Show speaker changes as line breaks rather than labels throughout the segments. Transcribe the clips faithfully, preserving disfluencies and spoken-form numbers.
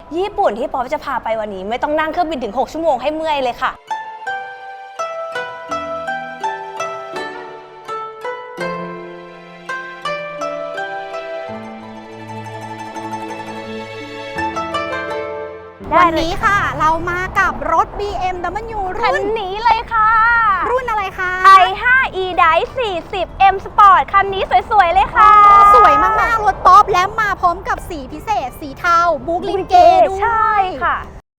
ญี่ปุ่นที่ป๊อปจะพาไปวันนี้ไม่ต้องนั่งเครื่องบินถึงหกชั่วโมงให้เมื่อยเลยค่ะ
วันนี้ค่ะเรามากับรถ บี เอ็ม ดับเบิลยู
คัน
รุ่น
นี้เลยค่ะ
รุ่นอะไรคะ
ไอ ไฟว์ อี Drive สี่สิบ M Sport คันนี้สวยๆเลยค่ะ
สวยมากๆรถป๊อปและมาพร้อมกับสีพิเศษ สีเทาบุ๊กลินเกด้วย
ใช่ค่ะ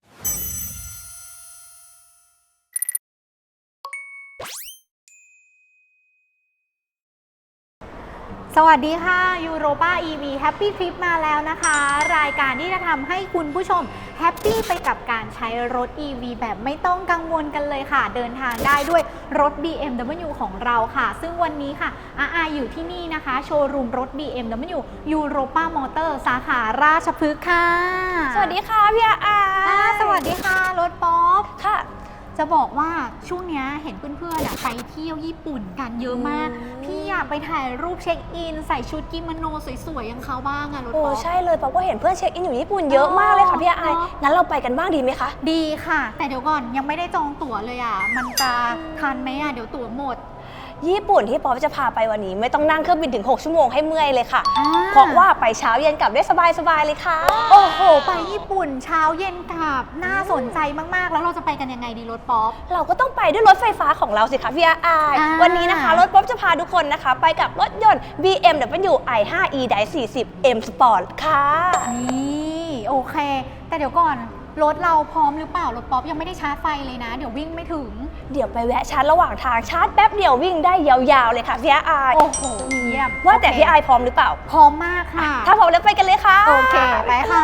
สวัสดีค่ะยูโรป้า อี วี Happy Trip มาแล้วนะคะ รายการที่จะทำให้คุณผู้ชมแฮปปี้ไปกับการใช้รถ อี วี แบบไม่ต้องกังวลกันเลยค่ะ เดินทางได้ด้วยรถ บี เอ็ม ดับเบิลยู ของเราค่ะ ซึ่งวันนี้ค่ะอาอาอยู่ที่นี่นะคะโชว์รูมรถ บี เอ็ม ดับเบิลยู Europa Motor สาขาราชพฤกษ์ค่ะ
สวัสดีค่ะพี่อาอา
อ่าสวัสดีค่ะรถป๊อป
ค่ะ
จะบอกว่าช่วงนี้เห็นเพื่อนๆไปเที่ยวญี่ปุ่นกันเยอะมาก พี่อยากไปถ่ายรูปเช็คอินใส่ชุดกิโมโนสวยๆอย่างเขาบ้างอะรถ
โอ้
ป๊อป
ใช่เลยป๊อปก็เห็นเพื่อนเช็คอินอยู่ญี่ปุ่นเยอะมากเลยค่ะพี่อาอางั้นเราไปกันบ้างดีไหมคะ
ดีค่ะแต่เดี๋ยวก่อนยังไม่ได้จองตั๋วเลยอะมันจะทันไหมอะเดี๋ยวตั๋วหมด
ญี่ปุ่นที่ป๊อปจะพาไปวันนี้ไม่ต้องนั่งเครื่องบินถึงหกชั่วโมงให้เมื่อยเลยค่ะเพราะว่าไปเช้าเย็นกลับได้สบายๆเลยค่ะ
โอ้โหไปญี่ปุ่นเช้าเย็นกลับน่าสนใจมากๆแล้วเราจะไปกันยังไงดีรถป๊อป
เราก็ต้องไปด้วยรถไฟฟ้าของเราสิคะพี่อาอาวันนี้นะคะรถป๊อปจะพาทุกคนนะคะไปกับรถยนต์ บี เอ็ม ดับเบิลยู ไอ ไฟว์ อี Drive สี่สิบ M Sport ค่ะ
นี่โอเคแต่เดี๋ยวก่อนรถเราพร้อมหรือเปล่ารถป๊อปยังไม่ได้ชาร์จไฟเลยนะเดี๋ยววิ่งไม่ถึง
เดี๋ยวไปแวะชาร์จระหว่างทางชาร์จแป๊บเดียววิ่งได้ยาวๆเลยค่ะพี่อา
โอ้โหเยี่ยม
ว่าแต่พี่อาพร้อมหรือเปล่า
พร้อมมากค่ะ
ถ้าพร้อมแล้วไปกันเลยค่ะ
โอเคไปค่ะ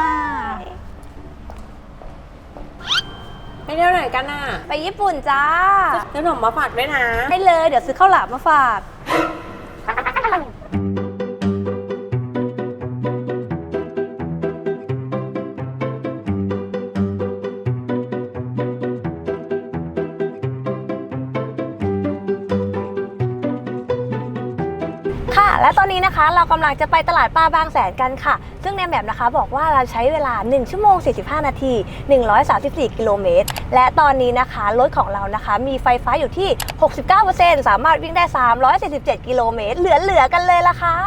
ไปเที่ยวไหนกันน่ะ
ไปญี่ปุ่นจ้า
ซื้อขนมมาฝากด้วยนะ
ได้เลยเดี๋ยวซื้อข้าวหลามมาฝากและตอนนี้นะคะเรากำลังจะไปตลาดปลาบางแสนกันค่ะซึ่งในแบบนะคะบอกว่าเราใช้เวลาหนึ่งชั่วโมงสี่สิบห้านาทีหนึ่งร้อยสามสิบสี่กิโลเมตรและตอนนี้นะคะรถของเรานะคะมีไฟฟ้าอยู่ที่ หกสิบเก้าเปอร์เซ็นต์ สามารถวิ่งได้สามร้อยสี่สิบเจ็ดกิโลเมตรเหลือๆกันเลยล่ะค่ะ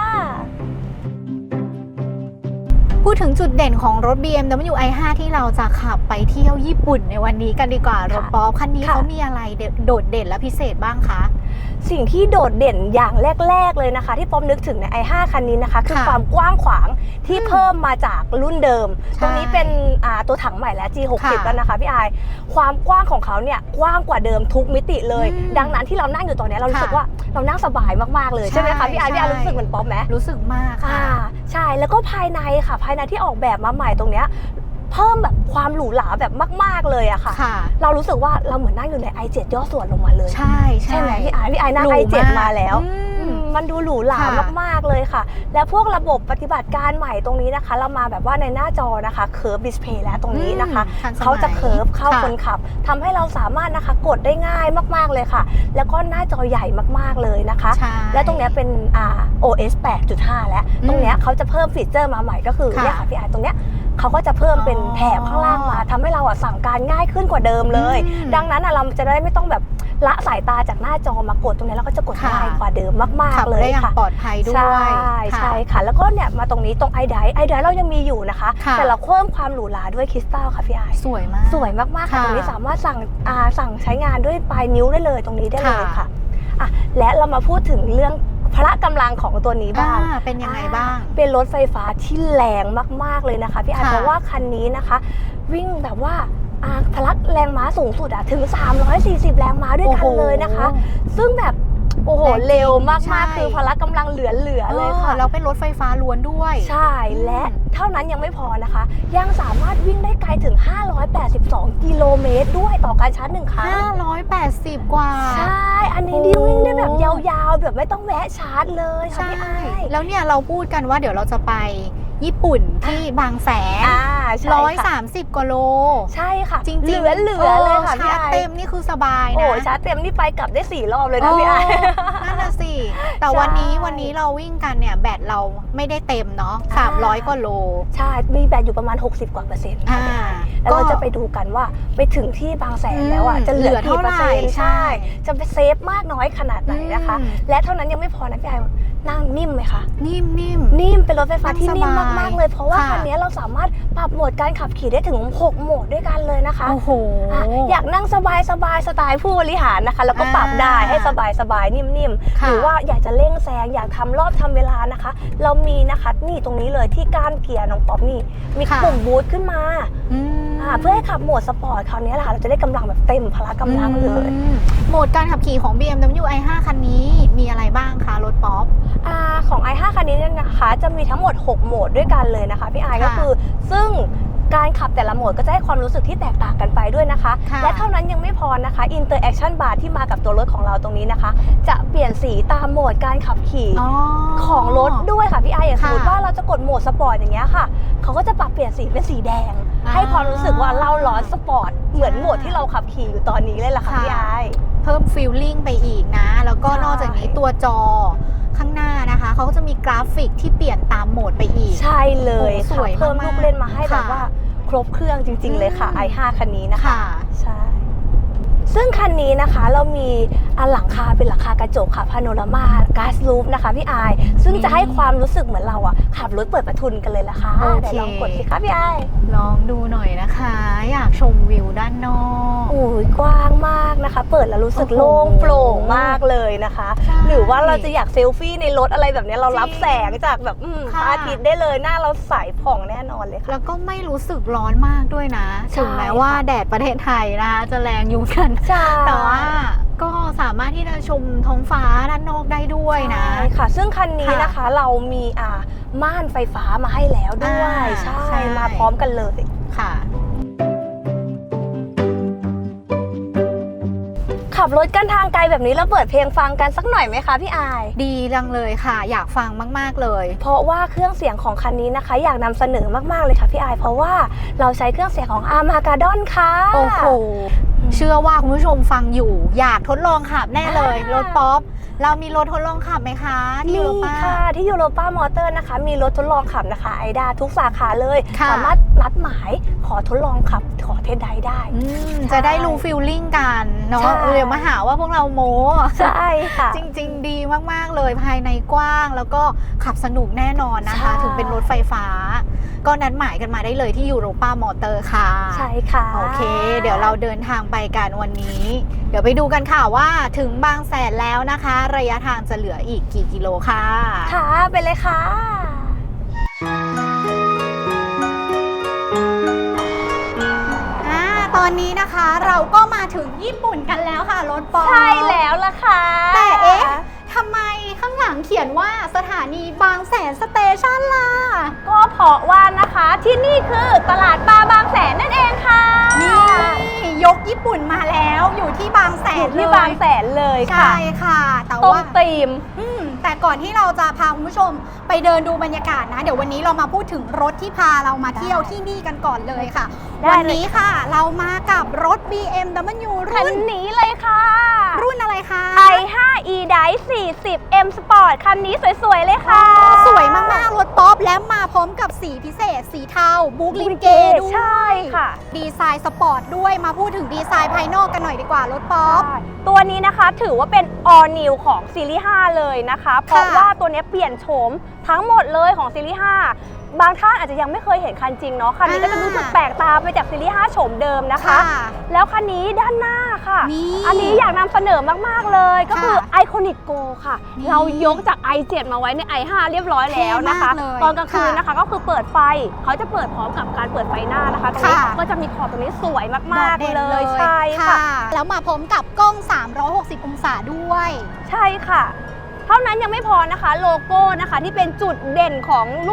พูดถึงจุดเด่นของรถ บี เอ็ม ดับเบิลยู ไอ ไฟว์ ที่เราจะขับไปเที่ยวญี่ปุ่นในวันนี้กันดีกว่ารถป๊อปคันนี้เขามีอะไรโดดเด่นและพิเศษบ้างคะ
สิ่งที่โดดเด่นอย่างแรกๆเลยนะคะที่ป๊อปนึกถึงใน ไอ ไฟว์ คันนี้นะคะคือความกว้างขวางที่เพิ่มมาจากรุ่นเดิมตรงนี้เป็นตัวถังใหม่แล้ว จี หกสิบ แล้วนะคะพี่อายความกว้างของเขาเนี่ยกว้างกว่าเดิมทุกมิติเลยดังนั้นที่เรานั่งอยู่ตอนนี้เรารู้สึกว่าเรานั่งสบายมากๆเลยใช่ไหมคะพี่อายพี่อายรู้สึกเหมือนป๊อปไหม
รู้สึกมากค่ะ
ใช่แล้วก็ภายในค่ะภายในที่ออกแบบมาใหม่ตรงเนี้ยเพิ่มแบบความหรูหราแบบมากๆเลยอะค่ะเรารู้สึกว่าเราเหมือนนั่งอยู่ใน ไอ เจ็ด ย่อส่วนลงมาเลย
ใช่
ใช่ไหมพี่ไอพี่ไอนั่ง ไอ เจ็ด มาแล้วมันดูหรูหรามากๆเลยค่ะและพวกระบบปฏิบัติการใหม่ตรงนี้นะคะเรามาแบบว่าในหน้าจอนะคะเคิร์ฟดิสเพย์แล้วตรงนี้นะคะเขาจะเคิร์ฟเข้าคนขับทำให้เราสามารถนะคะกดได้ง่ายมากๆเลยค่ะแล้วก็หน้าจอใหญ่มากๆเลยนะคะและตรงนี้เป็นอ่า โอ เอส แปดจุดห้า แล้วตรงนี้เขาจะเพิ่มฟีเจอร์มาใหม่ก็คือเนี่ยค่ะพี่ไอตรงเนี้ยเขาก็จะเพิ่มเป็นแถบข้างล่างมาทำให้เราอะสั่งการง่ายขึ้นกว่าเดิมเลยดังนั้นเราจะได้ไม่ต้องแบบละสายตาจากหน้าจอมากดตรงนี้เราก็จะกดง่ายกว่าเดิมมากๆเลยค่ะ
ปลอดภัยด้วย
ใช่ใช่ค่ะแล้วก็เนี่ยมาตรงนี้ตรงไอไดไอไดเรายังมีอยู่นะคะแต่เราเพิ่มความหรูหราด้วยคริสตัลค่ะพี่ไอ
สวยมาก
สวยมากๆค่ะตรงนี้สามารถสั่งสั่งใช้งานด้วยปลายนิ้วได้เลยตรงนี้ได้เลยค่ะอ่ะและเรามาพูดถึงเรื่องพละกำลังของตัวนี้บ้าง
เป็นยังไงบ้าง
เป็นรถไฟฟ้าที่แรงมากๆเลยนะคะพี่อาเพราะว่าคันนี้นะคะวิ่งแบบว่าพละแรงม้าสูงสุดอะถึงสามร้อยสี่สิบแรงม้าด้วยกันเลยนะคะซึ่งแบบโอ้โหเร็วมากๆคือพละกำลังเหลือๆเลยค่ะ
แล้วเป็นรถไฟฟ้าล้วนด้วย
ใช่และเท่านั้นยังไม่พอนะคะยังสามารถวิ่งได้ไกลถึงห้าร้อยแปดสิบสองกิโลเมตรด้วยต่อการชาร์จหนึ่งครั้ง
ห้าร้อยแปดสิบกว่า
ใช่อันนี้ดิวิ่งได้แบบยาวๆแบบไม่ต้องแวะชาร์จเลยค่ะพี่ไอ
แล้วเนี่ยเราพูดกันว่าเดี๋ยวเราจะไปญี่ปุ่นที่บางแสน
อ่าใช่
ร้อย
ค่ะ
สามสิบกว่าโล
ใช่ค่ะ
จริงๆ
เหลือเหลือเลยค่ะ
ชา
พี่
ร์จ
ไอ
เต็มนี่คือสบายนะ
โอ้ชาร์จเต็มนี่ไปกลับได้สี่รอบเลยนะพี่ไอ
โนั่นน่ะสิ แต่
ใช่
วันนี้วันนี้เราวิ่งกันเนี่ยแบตเราไม่ได้เต็มเนาะ
อ่า
สามร้อยกว่าโล
ใช่ มีแบตอยู่ประมาณ หกสิบ กว่าเปอร์เซ็นต์
อ่า
แล้วเราจะไปดูกันว่าไปถึงที่บางแสนแล้วอ่ะ
อืม
จะเหลือ
เหลือ
กี่เปอร์เซ็น
เท่าไหร่
ต์
ใช่
ใช่ จะไปเซฟมากน้อยขนาดไหนนะคะ
อืม
และเท่านั้นยังไม่พอนะพี่ไอนั่งนิ่มไหมคะ
นิ่มนิ่ม
นิ่มเป็นรถไฟฟ้าที่นิ่ม
นั่งสบาย
มากๆเลย เพราะว่า
ค่ะ
คันนี้เราสามารถปรับโหมดการขับขี่ได้ถึงหกโหมดด้วยกันเลยนะคะ
โอ้โห
อ่ะอยากนั่งสบายสบายสไตล์ผู้บริหารนะคะ แล้วก็ปรับได้
อ่า
ให้สบายสบายนิ่มๆ
ค่ะ
หรือว่าอยากจะเร่งแซงอยากทำรอบทำเวลานะคะ เรามีนะคะนี่ตรงนี้เลยที่ก้านเกียร์น้องป๊อปนี่มี
ค่ะ
ปุ่มบูทขึ้นมา
อืม
อ่าเพื่อให้ขับโหมดสปอร์ตคราวนี้แหละค่ะเราจะได้กำลังแบบเต็มพละกำลังเลย
อืมโหมดการขับขี่ของ บี เอ็ม ดับเบิลยู ไอ ไฟว์ คันนี้มีอะไรบ้างคะรถป๊อป
อ่าของ ไอ ไฟว์ คันนี้เนี่ยนะคะจะมีทั้งหมดหกโหมดด้วยกันเลยนะคะพี่ไอ
ค่ะ
ก็คือซึ่งการขับแต่ละโหมดก็จะให้ความรู้สึกที่แตกต่างกันไปด้วยนะคะ
ค่ะ
และเท่านั้นยังไม่พอนะคะ Interaction Bar ที่มากับตัวรถของเราตรงนี้นะคะ จะเปลี่ยนสีตามโหมดการขับขี่
อ๋อ
ของรถด้วยค่ะพี่ไออย่างส
ค่ะ
มมติว่าเราจะกดโหมดสปอร์ตอย่างเงี้ยค่ะเขาก็จะปรับเปลี่ยนสีเป็นสีแดง
อ่า
ให้ความรู้สึกว่าเราร้อนสปอร์ตเหมือนโหมดที่เราขับขี่อยู่ตอนนี้เลยล่ะค่ะ
ค่ะ
พี่ไอ
เพิ่มฟีลลิ่งไปอีกนะ แล้วก็
ใช่
นอกจากนี้ตัวจอข้างหน้านะคะเขาก็จะมีกราฟิกที่เปลี่ยนตามโหมดไปอีก
ใช่เลย
โอ้ส
ค่ะ
วย
เพิ่ม
มากๆ
ลูกเล่นมาให้แบบ
ค่ะ
ว่าครบเครื่องจริง ๆ เลยค่ะ
อืม
ไอ ไฟว์ คันนี้นะคะ
ค่ะ
ใช่ ซึ่งคันนี้นะคะเรามีอันหลังคาเป็นหลังคากระจกค่ะพาโนรามาก๊าซลูฟนะคะพี่ไอายซึ่งจะให้ความรู้สึกเหมือนเราอะขับรถเปิดประทุนกันเลยละค่ะ
โอเค
เดี๋ยวลองกดสิคะพี่ไอาย
ลองดูหน่อยนะคะ อยากชมวิวด้านนอก
โอ้ยกว้างมากนะคะ เปิดแล้วรู้สึก
โอ้โห
โล่งโปร่งมากเลยนะคะ
ใช่
หรือว่าเราจะอยากเซลฟี่ในรถอะไรแบบนี้เรารับ
จริง
แสงจากแบบอืมพ
ค่ะ
ระอาทิตย์ได้เลยหน้าเราใสผ่องแน่นอนเลยค่ะ
แล้วก็ไม่รู้สึกร้อนมากด้วยนะ
ใช่
ถึงแม้ว่า
ค่ะ
แดดประเทศไทยนะคะจะแรงอยู่กัน
ใช่
แต่ว่าก็สามารถที่จะชมท้องฟ้าด้านนอกได้ด้วยนะ
ใช่ค่ะ ซึ่งคันนี้
ค่ะ
นะคะเรามีอ่าม่านไฟฟ้ามาให้แล้วด้วย
อ่า
ใช่
ใช่
มาพร้อมกันเลย
ค่ะ
ขับรถกันทางไกลแบบนี้แล้วเปิดเพลงฟังกันสักหน่อยไหมคะพี่อาย
ดีจังเลยค่ะ อยากฟังมากๆเลย
เพราะว่าเครื่องเสียงของคันนี้นะคะ อยากนำเสนอมากๆเลยค่ะพี่อาย เพราะว่าเราใช้เครื่องเสียงของ Armageddon ค่ะ
โอ้โห เชื่อว่าคุณผู้ชมฟังอยู่ อยากทดลองขับแน่เลย
อ่าร
ถป๊อป เรามีรถทดลองขับไหมคะที่
มี
ยูโรป้า
ค่ะที่ยูโรป้ามอเตอร์นะคะ มีรถทดลองขับนะคะไอดาทุกสาขาเลย
ค่ะ
สามารถนัดหมายขอทดลองขับขอเทสไดรฟ์ได้
อืม
ใช่
จะได้รู้ฟิลลิ่งกันเนาะ
ใช่
เดี๋ยวมาหาว่าพวกเราโม้
ใช่ค่ะ
จริง ๆ ดีมาก ๆ เลยภายในกว้างแล้วก็ขับสนุกแน่นอนนะคะ
ใช่
ถึงเป็นรถไฟฟ้า ก็นัดหมายกันมาได้เลยที่ยูโรป้ามอเตอร์ค่ะ
ใช่ค่ะ
โอเค เดี๋ยวเราเดินทางไปกันวันนี้ เดี๋ยวไปดูกันค่ะว่าถึงบางแสนแล้วนะคะ ระยะทางจะเหลืออีกกี่กิโลค่ะ
ค่ะไปเลยค่ะ
อ่าตอนนี้นะคะเราก็มาถึงญี่ปุ่นกันแล้วค่ะรถป๊อป
ใช่แล้วล่ะค่ะ
แต่เอ๊ะทำไมข้างหลังเขียนว่าสถานีบางแสนสเตชันล่ะ
ก็เพราะว่านะคะที่นี่คือตลาดปลาบางแสนนั่นเองค่ะ
นี่ยกญี่ปุ่นมาแล้วอยู่ที่บางแส
อน ยู่
เล
ที่
ย
บางแสนเลยค่ะ
ใช่ค่ะ แต่
ตรง
ว่า
ตีม
อืมแต่ก่อนที่เราจะพาคุณผู้ชมไปเดินดูบรรยากาศนะ เดี๋ยววันนี้เรามาพูดถึงรถที่พาเรามาเที่ยวที่นี่กันก่อนเลยค่ะ
ได้
วัน
เลย
นี้ค่ะเรามากับรถ บี เอ็ม ดับเบิลยู
คัน
รุ่น
นี้เลยค่ะ
รุ่นอะไรคะ
ไอ ไฟว์ e-Drive สี่สิบ M Sport คันนี้สวยๆเลยค่ะ
สวยมากๆรถป๊อปและมาพร้อมกับสีพิเศษ สีเทาบุ๊กลินเกด้วย
ใช่ค่ะ
ดีไซน์สปอร์ตด้วยมาพูดถึงดีไซน์ภายนอกกันหน่อยดีกว่ารถป๊อป
ตัวนี้นะคะถือว่าเป็น all new ของซีรีส์ห้าเลยนะคะ เพราะว่าตัวนี้เปลี่ยนโฉมทั้งหมดเลยของซีรีส์ห้าบางท่านอาจจะยังไม่เคยเห็นคันจริงเนาะคันนี้ก็จะรู้สึกแปลกตาไปจากซีรีส์ห้าโฉมเดิมนะคะ
ค่ะ
แล้วคันนี้ด้านหน้าค่ะ
นี่
อันนี้อยากนำเสนอมากๆเลยก็คือ
ค่ะ
Iconic Go ค่ะ
นี่
เรายกจาก ไอ เซเว่น มาไว้ใน ไอ ไฟว์ เรียบร้อยแล้วนะคะ
เท่มากเลย
ตอนกลางคืน
ค่ะ
นะคะก็คือเปิดไฟเขาจะเปิดพร้อมกับการเปิดไฟหน้านะคะตรงนี้
ค่ะ
ก็จะมีขอบตรงนี้สวยมาก
โดด
ๆ
ด่น
เลยใช่ค่ะ
แล้วมาพร้อมกับกล้อง สามร้อยหกสิบ องศาด้วย
ใช่ค่ะ เท่านั้นยังไม่พอนะคะโลโก้นะคะที่เป็นจุดเด่นของรุ่น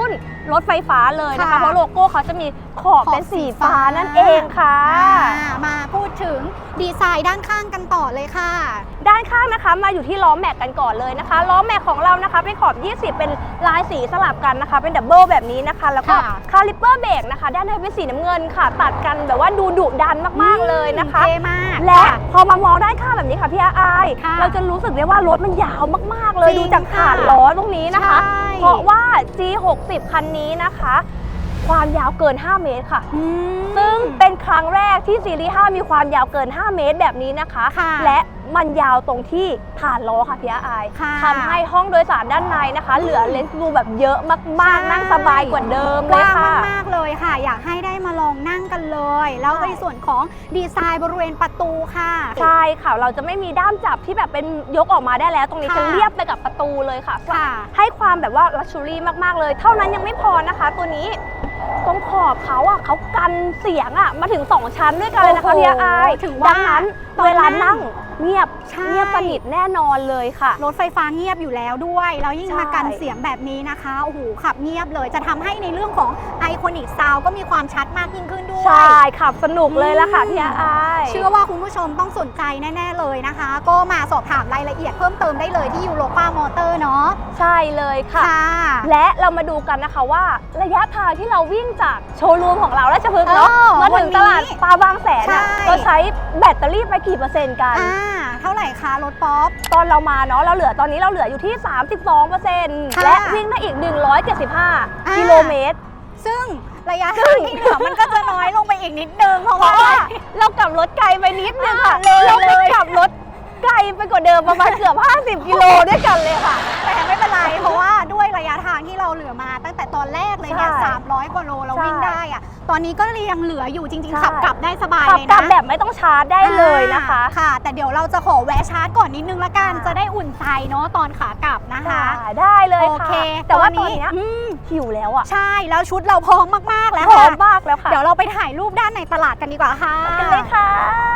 รถไฟฟ้าเลยนะคะ
ค่ะ
เพราะโลโก้เขาจะมีขอบเป็นสีฟ้านั่นเองค่ะ
อ่ามาพูดถึงดีไซน์ด้านข้างกันต่อเลยค่ะ
ด้านข้างนะคะมาอยู่ที่ล้อแม็กกันก่อนเลยนะคะล้อแม็กของเรานะคะเป็นขอบ ยี่สิบ เป็นลายสีสลับกันนะคะ เป็นดับเบิลแบบนี้นะคะ แล้วก็
ค่ะ
คาลิปเปอร์เบรกนะคะด้านในเป็นสีน้ำเงินค่ะ ตัดกันแบบว่าดูดุดันมากๆเลยนะคะ
เท่มาก
และ
ค่ะ
พอมามองด้านข้างแบบนี้ค่ะพี่อาอาย
ค่ะ
เราจะรู้สึกได้ว่ารถมันยาวมากๆเลย
จริง
ดูจากฐานล้อตรงนี้นะคะ
ใช่
เพราะว่า จี หกสิบ คันนี้นะคะ ความยาวเกิน ห้า เมตรค่ะ
อืม
ซึ่งเป็นครั้งแรกที่ซีรีส์ ห้า มีความยาวเกิน ห้า เมตรแบบนี้นะคะ
ค่ะ
และมันยาวตรงที่ฐานล้อค่ะพี่อาอาย
ค่ะ
ทำให้ห้องโดยสารด้านในนะคะ เหลือเลนส์รูแบบเยอะมากๆ นั่งสบายกว่าเดิม
ก
เลย
ว้าง
ค่ะ
มากๆเลยค่ะ อยากให้ได้มาลองนั่งกันเลย แล้ว
ใช่
ในส่วนของดีไซน์บริเวณประตูค่ะ
ใช่ค่ะ เราจะไม่มีด้ามจับที่แบบเป็นยกออกมาได้แล้ว ตรงนี้
ค่ะ
จะเรียบไปกับประตูเลยค่ะ
ค่ะ
ให้ความแบบว่าลักชัวรี่มากๆเลย เท่านั้นยังไม่พอนะคะ ตัวนี้ตรงขอบเขาอ่ะเขากันเสียงอ่ะมาถึงสองชั้นด้วยกันเลยนะคะ
โอ้โห
พี่อาอาย
ถึงว่า
ดังนั้น
ตอน
เวลา
นั่
นั่
ง
งเงียบ
ใช่
เงียบสนิทแน่นอนเลยค่ะ
รถไฟฟ้าเงียบอยู่แล้วด้วย แล้วยิ่ง
ใช่
มากันเสียงแบบนี้นะคะโอ้โหขับเงียบเลย จะทำให้ในเรื่องของไอคอนิกซาวก็มีความชัดมากยิ่งขึ้นด้วย
ใช่ขับสนุกเลยละค่ะ
อืม
พี่อาอาย
เชื่อว่าคุณผู้ชมต้องสนใจแน่ ๆ เลยนะคะ ก็มาสอบถามรายละเอียดเพิ่มเติมได้เลยที่ยูโรป้ามอเตอร์เนาะ
ใช่เลยค่ะ
ค่ะ
และเรามาดูกันนะคะว่าระยะทางที่เราวิ่งจากโชว์รูมของเราราชพฤกษ์เนาะ
เออ
มาถึง
วันนี้
ตลาดปลาบางแสนอะ
ใช่
เราใช้แบตเตอรี่ไปกี่เปอร์เซ็นต์กัน
อ่าเท่าไหร่คะรถป๊อป
ตอนเรามาเนาะเราเหลือตอนนี้เราเหลืออยู่ที่ สามสิบสองเปอร์เซ็นต์
ค่ะ
และวิ่งได้อีก หนึ่งร้อยเจ็ดสิบห้า
อ่า
กิโลเมตร
ซึ่งระยะทางที่เหลือมันก็จะน้อยลงไปอีกนิดนึงเพราะ
เพ
ว่า
ราะว่าเรากลับรถไกลไปนิดนึงค่ะ
อ่าเลย
เราไป
เลย
กลับรถไกลไปกว่าเดิมประมาณเกือบ ห้าสิบ กิโลด้วยกันเลยค่ะ
แต่ไม่เป็นไร เพราะว่าด้วยระยะทางที่เราเหลือมาตั้งแต่ตอนแรกเลยเนี่ย
ใช่
สามร้อยกว่าโลเรา
ใช่
วิ่งได้อะตอนนี้ก็ยังเหลืออยู่จริง
ใช่
ๆขับกลับได้สบาย
ขับ
เลย
กลั
นะ
บแบบไม่ต้องชาร์จได้เลยนะคะ
อ่าค่ะ แต่เดี๋ยวเราจะขอแวะชาร์จก่อนนิดนึงละกัน
ค่ะ
จะได้อุ่นใจเนาะตอนขากลับนะคะ
ค่ะได้เลย
โอ
ค่ะ
เค
แต่ว่าต
ต
อ
อน นนี้
เนี้ย
อืม
หิวแล้วอ่ะ
ใช่แล้วชุดเราพร้อมมากๆแล้ว
พร้อ
ค่ะ
มมากแล้วค่ะ
เดี๋ยวเราไปถ่ายรูปด้านในตลาดกันดีกว่าค่ะ
กันเลยค่ะ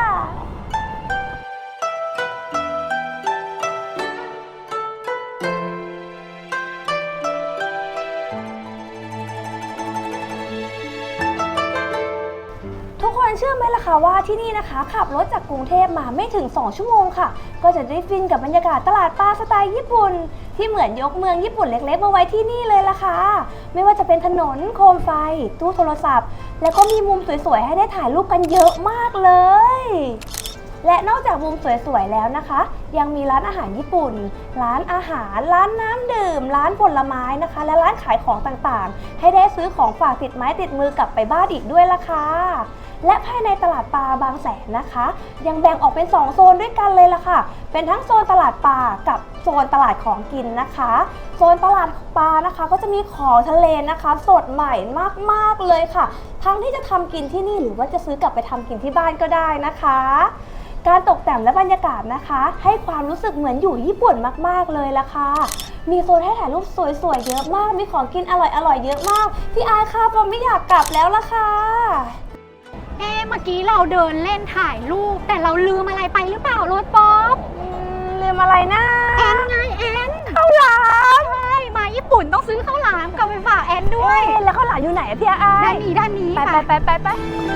ทุกคนเชื่อไหมล่ะคะว่าที่นี่นะคะ ขับรถจากกรุงเทพมาไม่ถึง สอง ชั่วโมงค่ะ ก็จะได้ฟินกับบรรยากาศตลาดปลาสไตล์ญี่ปุ่น ที่เหมือนยกเมืองญี่ปุ่นเล็กๆมาไว้ที่นี่เลยล่ะค่ะ ไม่ว่าจะเป็นถนนโคมไฟ ตู้โทรศัพท์ แล้วก็มีมุมสวยๆให้ได้ถ่ายรูปกันเยอะมากเลย และนอกจากมุมสวยๆแล้วนะคะ ยังมีร้านอาหารญี่ปุ่น ร้านอาหาร ร้านน้ำดื่ม ร้านผลไม้นะคะ และร้านขายของต่างๆ ให้ได้ซื้อของฝากติดไม้ติดมือกลับไปบ้านอีกด้วยล่ะค่ะ และภายในตลาดปลาบางแสนนะคะ ยังแบ่งออกเป็นสองโซนด้วยกันเลยล่ะค่ะ เป็นทั้งโซนตลาดปลากับโซนตลาดของกินนะคะ โซนตลาดปลานะคะก็จะมีของทะเลนะคะ สดใหม่มากๆเลยค่ะ ทั้งที่จะทำกินที่นี่หรือว่าจะซื้อกลับไปทำกินที่บ้านก็ได้นะคะ การตกแต่งและบรรยากาศนะคะ ให้ความรู้สึกเหมือนอยู่ญี่ปุ่นมากๆเลยล่ะค่ะ มีโซนให้ถ่ายรูปสวยๆเยอะมาก มีของกินอร่อยๆเยอะมาก พี่อายค่ะปอมไม่อยากกลับแล้วล่ะค่ะ
เอ๊ะเมื่อกี้เราเดินเล่นถ่ายรูปแต่เราลืมอะไรไปหรือเปล่ารถป๊อป
อืมลืมอะไรนะ
แอนไงแอน
ข้าวหลาม
ใช่มาญี่ปุ่นต้องซื้อข้าวหลามกลับไปฝากแอนด้วย
เอ๊ะแล้วข้าวหลามอยู่ไหนอะพี่อาย
ด้านนี้ด้านนี้
ไปไป
ค่ะ
ไปไปไป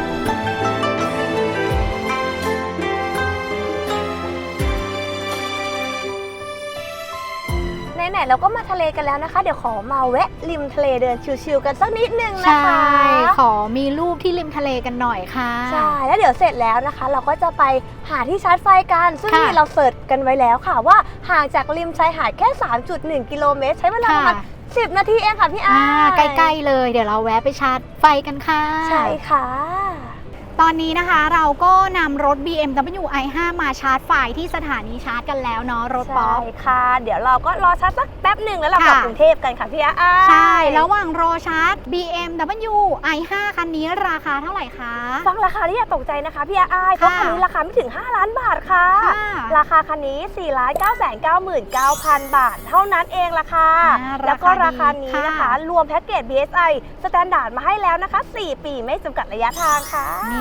ไหนๆเราก็มาทะเลกันแล้วนะคะ เดี๋ยวขอมาแวะริมทะเลเดินชิลๆกันสักนิดนึงนะคะ
ขอมีรูปที่ริมทะเลกันหน่อยค่ะ
ใช่ แล้วเดี๋ยวเสร็จแล้วนะคะ เราก็จะไปหาที่ชาร์จไฟกัน ซึ่ง
ค่ะ
นี่เราเสิร์ชกันไว้แล้วค่ะว่าห่างจากริมชายหาดแค่ สามจุดหนึ่ง กิโลเมตร ใช้เวลาประมาณ
ค่ะ
สิบ นาทีเองค่ะพี่อา
อ่าย ใกล้ๆเลยเดี๋ยวเราแวะไปชาร์จไฟกันค่ะ
ใช่ค่ะ
ตอนนี้นะคะเราก็นำรถ บี เอ็ม ดับเบิลยู ไอ ห้า มาชาร์จไฟที่สถานีชาร์จกันแล้วเนาะรถป๊อ
ใช่
ป
ค่ะ เดี๋ยวเราก็รอชาร์จสักแป๊บหนึ่งแล้วเรากลับ
ค่ะ
กรุงเทพกันค่ะพี่อา
ใช่ ระหว่างรอชาร์จ บี เอ็ม ดับเบิลยู ไอ ห้า คันนี้ราคาเท่าไหร่คะ
ฟังราคาที่อย่าตกใจนะคะพี่อาเพราะ
ค่ะ
คันนี้ราคาไม่ถึง ห้า ล้านบาทค่ะ
ค่ะ
ราคาคันนี้ สี่ล้านเก้าแสนเก้าหมื่นเก้าพัน บาท เท่านั้นเองล่ะค่ะ
อ่า
แล้วก็
รา
รา
คา
คา
ดี
นี้นะคะ
ค่ะ
รวมแพ็กเกจ บี เอส ไอ สแตนดาร์ดมาให้แล้วนะคะ สี่ ปีไม่จำกัดระยะทางค่ะ
นี่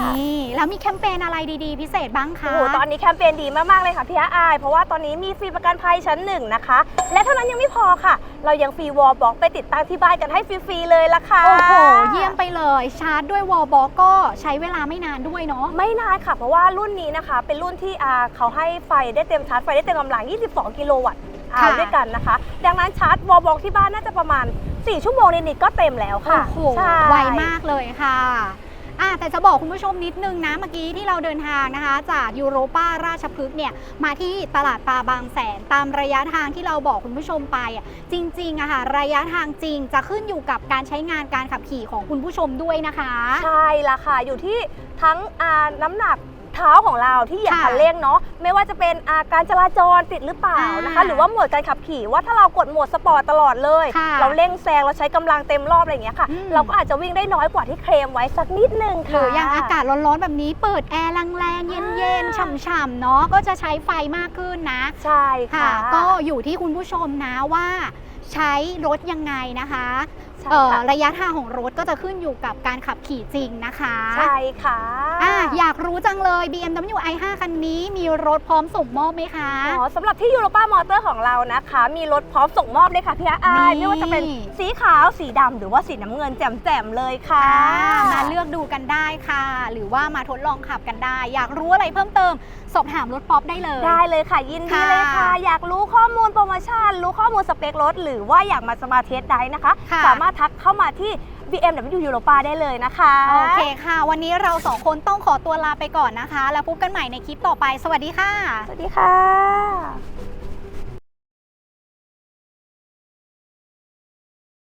นี่แล้วมีแคมเปญอะไรดีๆ พิเศษบ้างคะ
โอ้โหตอนนี้แคมเปญดีมากๆเลยค่ะพี่อาอายเพราะว่าตอนนี้มีฟรีประกันภัยชั้นหนึ่งนะคะและเท่านั้นยังไม่พอค่ะเรายังฟรีวอลบ็อกไปติดตั้งที่บ้านกันให้ฟรีๆเลยละค่ะ
โอ้โหเยี่ยมไปเลยชาร์จด้วยวอลบ็อกก็ใช้เวลาไม่นานด้วยเนาะ
ไม่นานค่ะเพราะว่ารุ่นนี้นะคะเป็นรุ่นที่อ่าเขาให้ไฟได้เต็มชาร์จไฟได้เต็มกำลังยี่สิบสองกิโลวัตต์อ่า
ค่ะ
ด้วยกันนะคะดังนั้นชาร์จวอลบ็อกที่บ้านน่าจะประมาณสี่ชั่วโมงนิดๆก็เต็มแล้วค่ะ
โอ้โห
ใช่
ไวมากเลยค่ะอ่ะ แต่จะบอกคุณผู้ชมนิดนึงนะเมื่อกี้ที่เราเดินทางนะคะ จากยูโรป้าราชพฤกษ์เนี่ยมาที่ตลาดปลาบางแสนตามระยะทางที่เราบอกคุณผู้ชมไปอ่ะจริงๆอะค่ะระยะทางจริงจะขึ้นอยู่กับการใช้งานการขับขี่ของคุณผู้ชมด้วยนะคะ
ใช่ละค่ะอยู่ที่ทั้งอ่าน้ำหนักเท้าของเราที่เหยียบ
ค่ะ
คันเร่งเนาะไม่ว่าจะเป็นอ่าการจราจรติดหรือเปล่า
อ่าน
นะคะ หรือว่าโหมดการขับขี่ว่าถ้าเรากดโหมดสปอร์ตตลอดเลย
ค่ะ
เราเร่งแซงเราใช้กำลังเต็มรอบอะไรอย่างเงี้ยค่ะ
อืม
เราก็อาจจะวิ่งได้น้อยกว่าที่เคลมไว้สักนิดนึง
ห
ค่ะ
รืออย่างอากาศร้อนๆแบบนี้เปิดแอร์แรงๆเย็นๆฉ่ำๆเนาะก็จะใช้ไฟมากขึ้นนะ
ใช่ค่ะ
ก็อยู่ที่คุณผู้ชมนะว่าใช้รถยังไงนะคะ
ใช่
เอ่อ
ค่ะ
ระยะทางของรถก็จะขึ้นอยู่กับการขับขี่จริงนะคะ
ใช่ค่ะ
อ่ะอยากรู้จังเลย บี เอ็ม ดับเบิลยู ไอ ไฟว์ คันนี้มีรถพร้อมส่งมอบไหมคะ
อ๋อสำหรับที่ยูโรป้ามอเตอร์ของเรานะคะ มีรถพร้อมส่งมอบเลยค่ะพี่อาอาย
นี่
ไม่ว่าจะเป็นสีขาวสีดำหรือว่าสีน้ำเงินแจ่มๆเลยค่ะ
อ่ามาเลือกดูกันได้ค่ะ หรือว่ามาทดลองขับกันได้ อยากรู้อะไรเพิ่มเติมสอบถามรถป๊อปได้เลย
ได้เลยค่ะยินดีเลยค่ะ
ค่ะ
อยากรู้ข้อมูลโปรโมชั่น รู้ข้อมูลสเปครถ หรือว่าอยากมาสมาเทสได้นะคะ
ค่ะ
สามารถทักเข้ามาที่ บี เอ็ม ดับเบิลยู Europa ได้เลยนะคะ
โอเคค่ะ วันนี้เราสองคนต้องขอตัวลาไปก่อนนะคะ แล้วพบกันใหม่ในคลิปต่อไป สวัสดีค่ะ
สวัสดีค่ะ